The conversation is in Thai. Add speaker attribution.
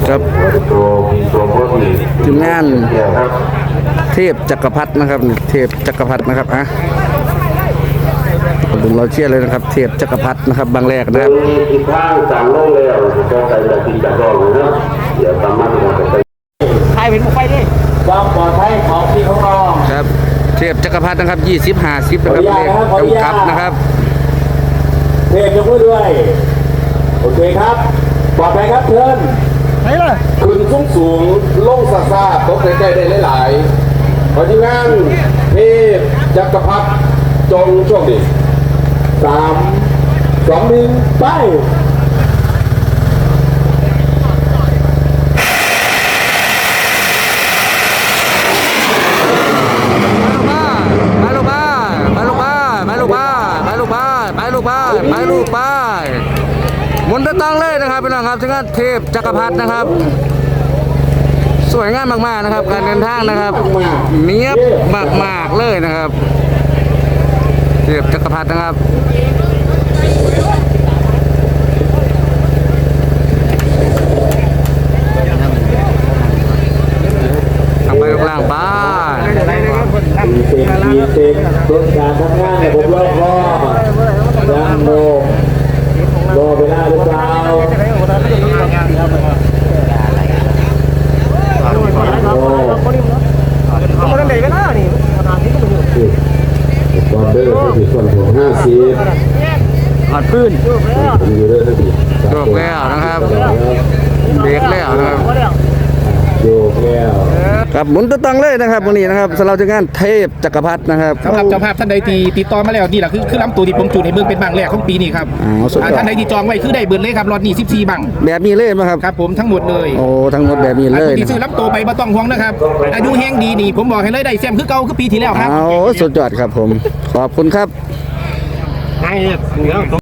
Speaker 1: ครับทีมงานเทพจักรพรรดินะครับเทพจักรพรรดินะครับผมเราเชื่อเลยนะครับเทพจักรพรรดินะครับบางแรกนะครับ
Speaker 2: ทิศทางสั่งลงแล้วก็ใส่แบบที่จะรออยู่นะเดี๋ยวตามมา
Speaker 3: ใครเป็นผู้ไปดิความปลอดภัยของพี่ของน้อง
Speaker 1: ครับเทพจักรพรรดินะครับ20-50นะครับเลขกำกับนะครับ
Speaker 3: เทพยกมือด้วยโอเคครับปลอดภัยครับเชิญไหนล่ะ
Speaker 2: ขึ้นสูงลงซาตกใกล้ๆได้หลายๆเพราะที่งั้นเทพจักรพรรดิจงโชคดี
Speaker 3: 3 2 1ไป
Speaker 1: หมุนตั้งเลยนะครับพี่น้องครับถึงเทพจักรพรรดินะครับสวยงามมากๆนะครับการเดินทางนะครับเนียบมากๆเลยนะครับเทพจักรพรรดินะครับทำไปลูกล่างบ้าน
Speaker 3: มีเต็มต้นการทำงานเนี่ยผมรอบยังรอเวลาหรือเปล่าคนไหนก็ได้นี่
Speaker 2: บอลเดอร์ที่ส่วนของ50
Speaker 1: หัดพื้น
Speaker 2: อยู่เรื่อยๆ
Speaker 1: โยกแล้วนะครับเบรกแล้วนะครับ
Speaker 2: โยกแล้ว
Speaker 1: ครับหมุนตั้งเลยนะครับวันนี้นะครับสำหรับงานเทพจักรพรรดินะครับ
Speaker 4: สำหรับเจ้าภาพท่านใดที่ติดต่อมาแล้วนี่แหละคือลำตัวที่ผมจูดให้เบิ่งเป็นบังแรกของปีนี้ครับท่านใดที่จองไว้คือได้เบิร์เลยครับรอดนี่14บัง
Speaker 1: แบบนี้เลยไหมครับ
Speaker 4: ครับผมทั้งหมดเลย
Speaker 1: โอ้ทั้งหมดแบบนี้เลย
Speaker 4: ที่ซื้อลำตัวไปบ่ต้องห่วงนะครับอายุแห้งดีนี่ผมบอกให้เลยได้แซมคือเก่าคือปีที่แล้วครับ
Speaker 1: สุดยอดครับผมขอบคุณครับ